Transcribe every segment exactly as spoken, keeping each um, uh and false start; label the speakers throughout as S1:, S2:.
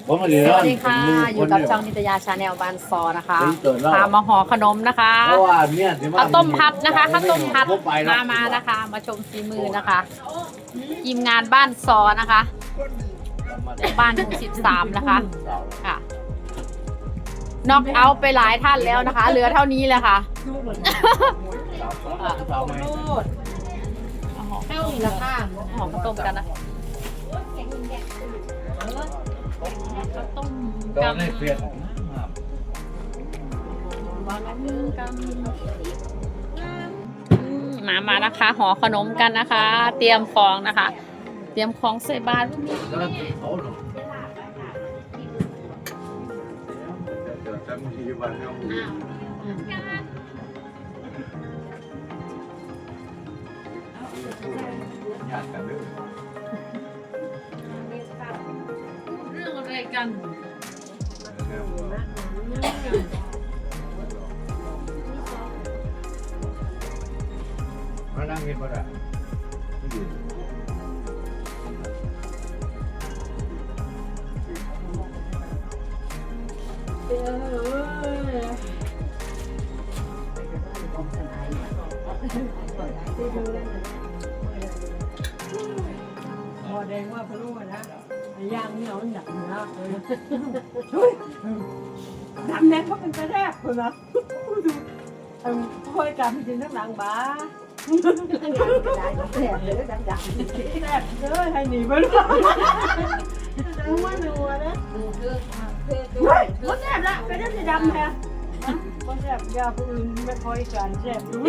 S1: สวัสดีค่ะอยู่กับช่องนิตยาชาแนลบ้านซอนะคะพามาห่อขนมนะคะข้าวต้มพัดนะคะข้าวต้มพัดมามานะคะ มาชมฝีมือนะคะทีมงานบ้านซอนะคะบ้านหมู่สิบสามนะคะค่ะน็อกเอาไปหลายท่านแล้วนะคะ เหลือเท่านี้เลยค่ะเข้าอีกแล้วค่ะห่อข้าวต้มกันนะข้าวต้มกันมามานะคะห่อขนมกันนะคะ เตรียมของนะคะ เตรียมของใส่บาตรพวกนี้เรื่องอะไรกัน
S2: มานั่งกินบ่ได้
S3: พอแดงว่าพะโล้นะย่างนี่เอาหนักนะดำแดงเขาเป็นกระแทกคนนะค่อยกลับไปกินทั้งหลังบ้าแสบเลยดำดำแสบเลยให้หนีไปด้วยว่าหนูนะมันแสบละไปได้จะดำแท้มันแสบยาผู้อื่นไม่ค่อยการแสบดู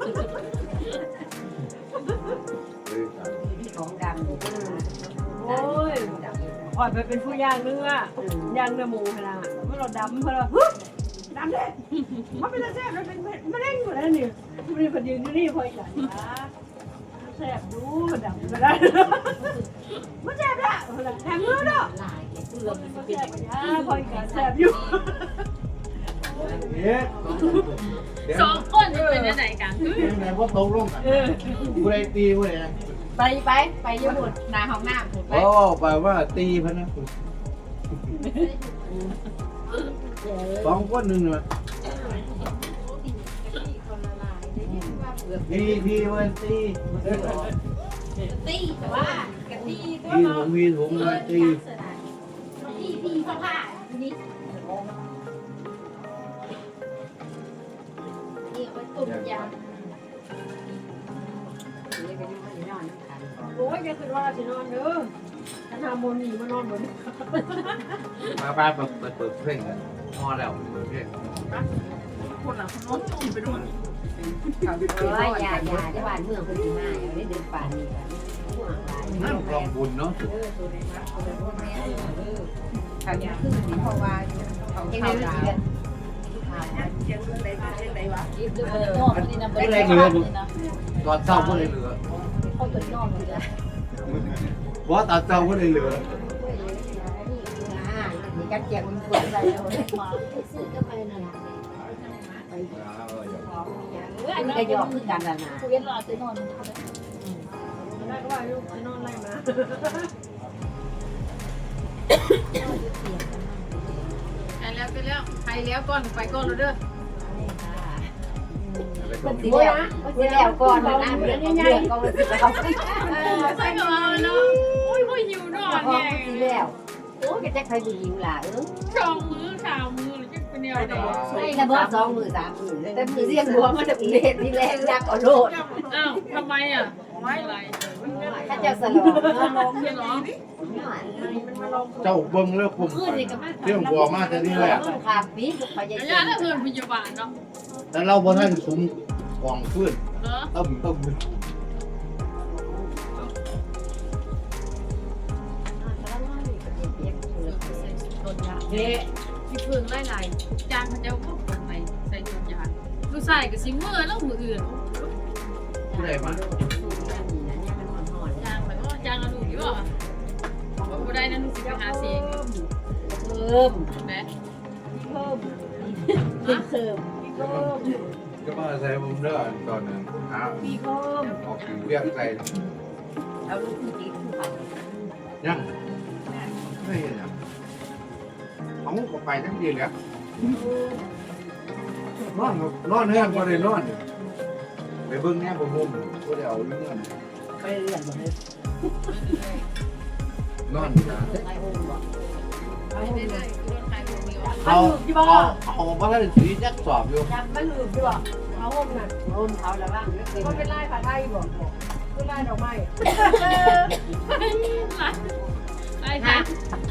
S4: ของดำ
S3: โอ้ยอ่อนไปเป็นผู้ย่างเนื้อย่างเนื้อหมูขนาดเมื่อเราดำเมื่อเราดำเลยมันเป็นแสบมันเป็นมะเร็งหมดแล้วนี่มันเป็นยืนอยู่นี่พอยกันนะแสบดูดำก็ได้มันแสบละแถมมือเนาะแสบนะพอยกันแสบอยู่
S1: สองคนจะเป็นยังไงกัน
S2: ไหนว่าตกลงกันกูได้ตีกูเลยนะ
S1: ไปไปไปญี่ปุ่นนาห้องน้ำถูกไหม
S2: โอ้แปลว่าตีพะนะสองคนหนึ่งเลยตีตีมันตี
S1: ตีแต่ว่ากะตีก็
S2: ตีผมมีผมเลยตี
S1: ตีตีผ้าผ้านี่นี่ไปตุ่มยา
S3: โอ้ยจะคือว่าจะนอนเด้อถ้าทำบนหนีมานอนบน
S2: มาบ้านเปิดเปิดเปิดเพลงกันพอแล้วเปิดเพลง
S3: คนหลังคนนอนกินไปด้วย
S4: เออยาอยาที่บ้านเมืองคนที่มาอย่างนี้เดินป่านี่กัน
S2: นั่นกลองบุญเนาะ
S4: เขาจะขึ้นนี่เพราะว่าเขาเข้าดาว
S2: ไม่ได้เหลือตอนเศร้าก็เลยเหลือ
S4: เขาตัวนอกเลย
S2: ว่าตอนเศร้าก็เลยเหลือ
S4: มีการแจกมันเปิดอะไรแล้วมาซื้อก็ไปนั่นแหละอันนี้ก็ยอมคือการละนาเวียนรอจะนอน
S3: ได้ก็ว่าลูกจะนอนไรมา
S1: ไปแล้วไปแล้วไปแล้วก่อนไปก่อนเราเด้อ
S4: คนสีแล้วสีแล้วก่อนนะเรื่องของเรื่องก็สีแล้ว
S1: ใส่กับเราเนาะโอ้ยโอ้ยหิวนอนไง
S4: สีแล้วโอ้ยจะใครดูยิงล่ะเออ
S1: สองมือสามมือหรือจะเป็นแนวไหน
S4: ไอ้ระเบิดสองมือสามมือแต่มือเรียงหัวมันจะเป็นเล็ดนี่แรงยักษ์เอาโลด
S1: อ้าวทำไมอ่ะไม่อะไร
S4: ถ้าจะสลอง
S1: ลงใช่หรอ
S2: เจ้าเบิ้งเลิกผมเรื่องบัวมาแต่นี่แหละ
S4: ขาดปีกพยา
S1: ระ
S4: ยาย
S1: ะ
S4: ม
S1: ถ้าเกินพยาบาลเนาะ
S2: แต่เราบ่ท่านคุ้มกองขึ้น
S1: เหรอ
S2: ต้มต้ม
S1: เด็กที่เพิ่งไล่ไล่จางพระเจ้าพวกคนไหนใส่ชุดยาลูกใส่กับซิมเมอร์แล้วมืออื่น
S2: ผู้ใดมา
S1: จางแบบว่าจางเราดูอยู่อ่ะว่าผู้ใดนั้นลูกสิไปหาเสียง
S4: เพิ่ม
S1: นะ
S3: เพิ่ม
S4: เพิ่มเพิ่ม
S3: เพิ่ม
S2: ก็มาใส่ผมเด้อตอนนั้นหา
S3: ปีเพิ่ม
S2: ออกเรียกใส่
S4: เอาลูกที่ตีผู้เขา
S2: ยังไม่เห็นอ่ะเขาก็ไปทั้งทีแล้วนอนนอนเนื่อนก็เลยนอนไปเบิ่งแง่บ่มุมก็ได้เอาเงื่อน
S4: ไปเรียนบ่ได้
S2: นอนนะ
S4: ไอ้โอ้บ่
S1: ไม่ได้คือรถไฟโมเดล
S2: เขาเขาเขาว่าถ้าสีจักสอบอยู่
S3: ยังมันลืมดีบ่เขาห่มน่ะ
S4: โอนเขาแล้วว่า
S3: ก็เป็นลายผ้าไทยบ่คือลายดอกไม้
S1: ไอ้ค่ะ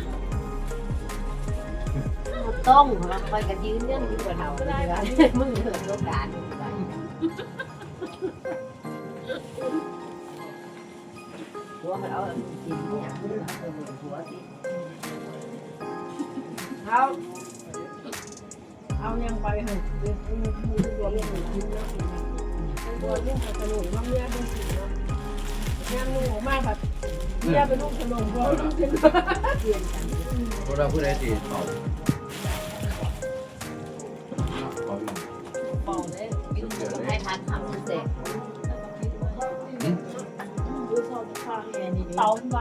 S4: ต้องเราคอยกันยืนเรื่องอยู่กับเรามึงเถิดโอกาสหัวมันเอากินเนี่ยหัวสิ
S3: เอาเอายังไปเหอะตัวเล่นกินเนาะตัวเล่นสนุกน้ำเมียเป็นสิเนาะยังงูมากแบบเมียเป็นลูกขนมตัวลูกเป็นเปลี่ยนกัน
S2: พวกเราผู้ใดตีเขาเขาอยู่
S4: เป่าเลยกินกับไทยทานทำเสร็จ
S3: เตาบ้าง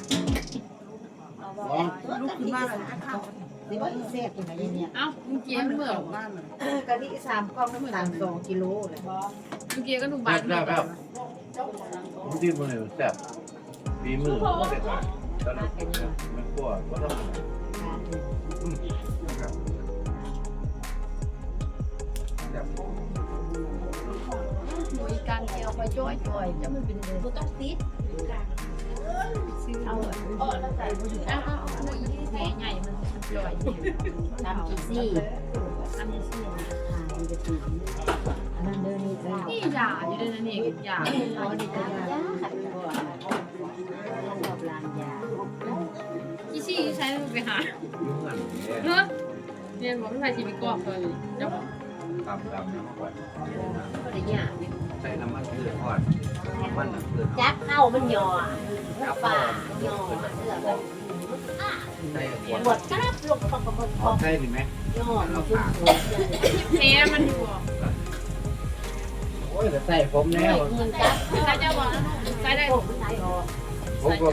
S4: ลูกขึ้นมาเลยนี่ว่าเสพยังไงเนี่ย
S1: เอ้าเมื่อกี้มันเหมือน
S4: กะทิสามกล่องน้ำตาลสองกิโลเลย
S1: เมื่อกี้ก็ดู
S2: แบ
S1: บ้าน
S2: บแบบแบบที่มันเลยแซ่บฝีมือก็เด็ดขาดตอนนั้นไม่กลัวก็ต้อง
S1: หน่วยการเกี่ยวไปจ้อยจ้อยจะมันเป็นเลยต้องติดเอาเออแล้วใส่เอาเอาเอาหน่วยแผลใหญ่มันจ่อย
S4: ทำอีซี่
S1: อันนี้สิ
S4: มันจะตีอันนั้นเดินนี่จ้า
S1: นี่ยาอยู่ด้วยนะนี่ยา
S4: อ๋อนี่จ้ายาขัดตัวชอบลานยา
S1: อีซี่ใช้ไปหา
S2: ยุ่งกัน
S1: เนาะเรียนบอกไม่ใช่ชีวิตกรอบเลยจะบอก
S2: ตามตามน้ำก่อน
S4: ก็ได้ยา
S2: ใส่น้ำมันเกลือทอดมันเกลือ
S4: จักเข้ามันย่อป่าย่อเสื้อแบบ
S2: ใส่ขวด
S4: ปวดกระดับลงปักปักปัก
S2: อ๋อใช่ดิไหม
S4: ย่อมันขึ้น
S1: แพ้มันอยู่
S2: โอ้ยแต่ใส่ผมแล้ว
S4: เงินจัก
S1: ใช้จะบอกใช้ได้
S4: ผมไหนออก
S2: ผมก็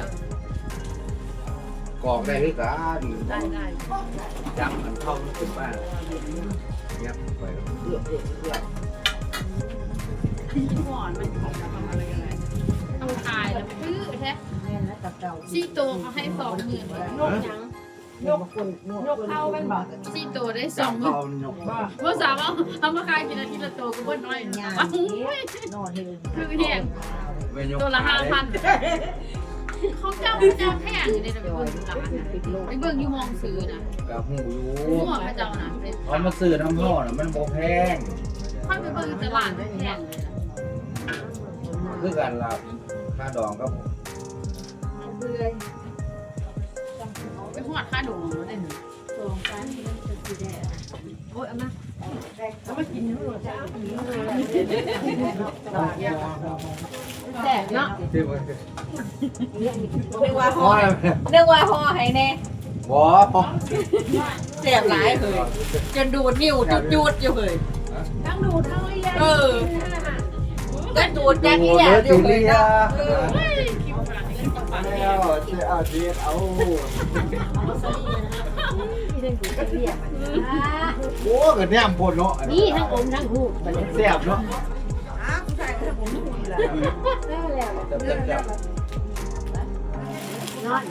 S2: กรอกได้ด้วยกัน
S1: ได้ได้
S2: จับมันเข้าถึงบ้านเงียบไปเอื้อเอื้อเอื้อ
S1: ที่ก่อนมันของทำอะไรกันเลยต้องตายแล้วพื้อแท้
S4: แม่แล้วกับเก่า
S1: ซี่ตัวเขาให้สองหมื่น
S3: นกยัง
S4: ยกคนยกเข้าเป็นบ่
S1: ซี่ตัวได้ส
S2: จั
S1: อบ งหมื่น
S2: เข้าหยก
S3: บ้า
S1: เมื่อสามเอาเอามาขายกินอาทิตย์ละตัวก็บ่น้อย
S4: ยา
S1: อ้าว
S4: นอนเฮง
S1: คือแพงตัวละห้าพันเขาเจ้าเจ้าแพงอยู่ในระเบิดร้านนะไอ้เบิ่งอยู่มองซื้อนะ
S2: กับหูอยู่
S1: หัวพระเจ้านะเป็น
S2: เขามาซื้อน้ำห่อน่ะมันโบแพง
S1: ค่อยไปเบิ่งตลาดแพงเลยนะ
S2: คือการลาค่าดองก็
S4: เบื่อ
S1: ไปหอดค่าดองมาได้หนึ่ง
S4: สองสามมันจะสีแดง
S1: โอ้ยเอามา
S3: แล้วมากินทั้งหมดจ้า
S1: แสบเนาะ
S2: ที่มัน
S4: เรียกว่า
S2: ห่
S4: ห่
S2: อ
S4: อเรียกว่าห่อให้แน่
S2: บ่พอ
S4: เสียบหลายเลยจนดูดนิ้วจุดๆอยู่เลย
S3: ทั้งดูทั้งเลี้ยง
S4: เออก็ดูดจากนี้อยู่เลยนะ
S1: เฮ้ยคิวฝรั่งนี่เล่นกับปาก
S2: แล้วจะเอาเดียดเอา
S4: ที่เรื่องกูจะเรียกมัน
S2: โอ้ก็แนมปนเนาะ
S4: นี่ทั้งอมทั้งหูมันเลย
S2: แซ่บเนาะ
S4: แล้ว
S2: แซ่บแซ่บ
S4: นอน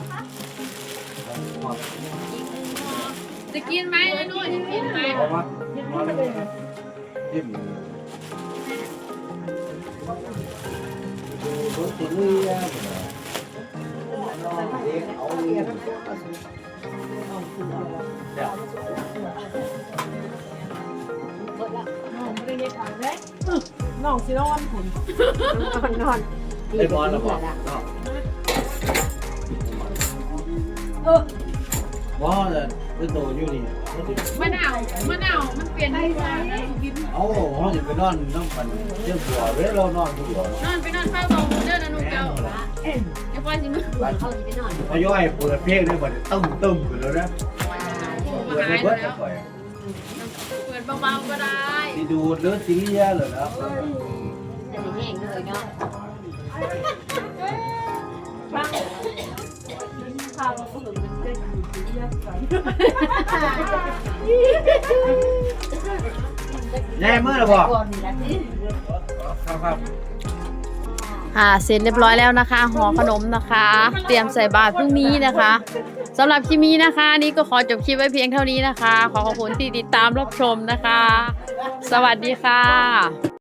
S1: จะกินไหมไอ้นู่นจะกินไหม
S2: เอามาจิ้มดูรถตีเรือเอาเรียนเดี๋ยว
S3: น้องไม่ได้เรียกขายเลยน้องสินอนผุน
S4: นอนนอน
S2: ได้บอลหรอบอกเนาะ
S3: เออ
S2: ว่าจะเป็นโตอยู่นี่
S1: มะนาวมะนาวมันเปลี่ยนไปไป
S2: เอาเขาจะไปนอนน้ำมันเจ้าบัวเว้ยเรานอนทุกวัน
S1: นอนไปนอนเฝ้าตรงเด้อนะนุ่งเจ้าเดี๋ยวพ่อสิมึง
S4: เขาจะไปนอน
S2: พอย่อยเปิดเพลงได้บ่ตึ้มตึ้มขึ้นแล้วนะ
S1: มา
S2: เปิด
S1: หาย
S2: เบิด
S1: แล้ว
S2: ก่อย
S1: เปิดเบาๆก็ได้
S2: ที่ดูดหรือสีเยอะเลยนะ
S4: จะแห้งเลยเนาะ
S3: บ้างข้าวเราก็เหมือนมันจะอยู่ที่เรียกกัน
S2: แน่เมื่อไหร่บอก
S4: ก่อนนี่นะที่
S2: ครับครับ
S1: อ่าเสร็จเรียบร้อยแล้วนะคะห่อขนมนะคะ เตรียมใส่บาตรพรุ่งนี้นะคะสำหรับคลิปนี้นะคะ นี่ก็ขอจบคลิปไว้เพียงเท่านี้นะคะ ขอขอบคุณที่ติดตามรับชมนะคะ สวัสดีค่ะ